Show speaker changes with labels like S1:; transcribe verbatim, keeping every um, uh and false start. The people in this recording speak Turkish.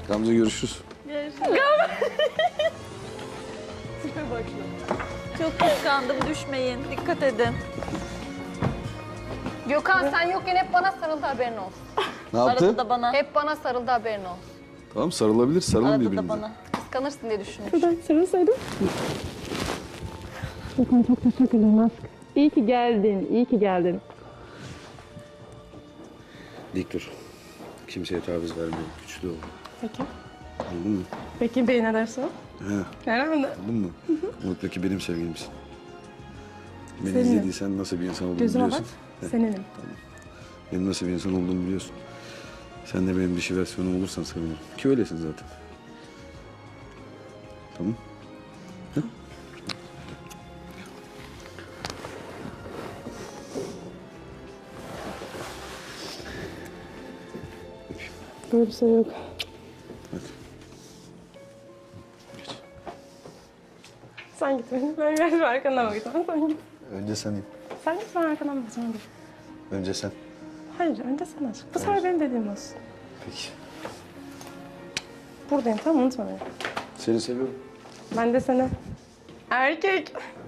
S1: Gamze görüşürüz.
S2: Görüşürüz. Çok kıskandım, düşmeyin. Dikkat edin.
S3: Gökhan sen yokken hep bana sarıldı, haberin olsun.
S1: Ne yaptı?
S2: Arada da bana.
S3: Hep bana sarıldı, haberin olsun.
S1: Tamam sarılabilir, sarılın
S2: Arada da
S1: birbirinize.
S2: bana.
S3: Kıskanırsın diye düşünmüş.
S4: Şuradan sarılsaydım. Gökhan çok teşekkür ederim aşkım. İyi ki geldin, iyi ki geldin.
S1: Dik dur. Kimseye taviz verme. Güçlü ol.
S4: Peki.
S1: Anladın mı?
S4: Peki bey ne derse o?
S1: He.
S4: Herhalde.
S1: Anladın mı? Unutma ki benim sevgilimsin. Beni
S4: Senin.
S1: izlediysen nasıl bir insan olduğumu
S4: Gözüme bak,
S1: biliyorsun. Heh.
S4: seninim.
S1: Benim nasıl bir insan olduğumu biliyorsun. Sen de benim dişi versiyonum olursan sevinirim. Ki öylesin zaten. Tamam. Hı?
S4: Böyle bir şey yok.
S1: Hadi. Geç.
S4: Sen git benim. Ben biraz arkandan bakacağım. Sen git.
S1: Önce sen in.
S4: Sen git, ben arkandan bakacağım. Hadi.
S1: Önce sen.
S4: Hayır, önce sen aç. Bu sefer benim dediğim olsun.
S1: Peki.
S4: Buradayım, tamam, unutma beni.
S1: Seni seviyorum.
S4: Ben de seni. Erkek.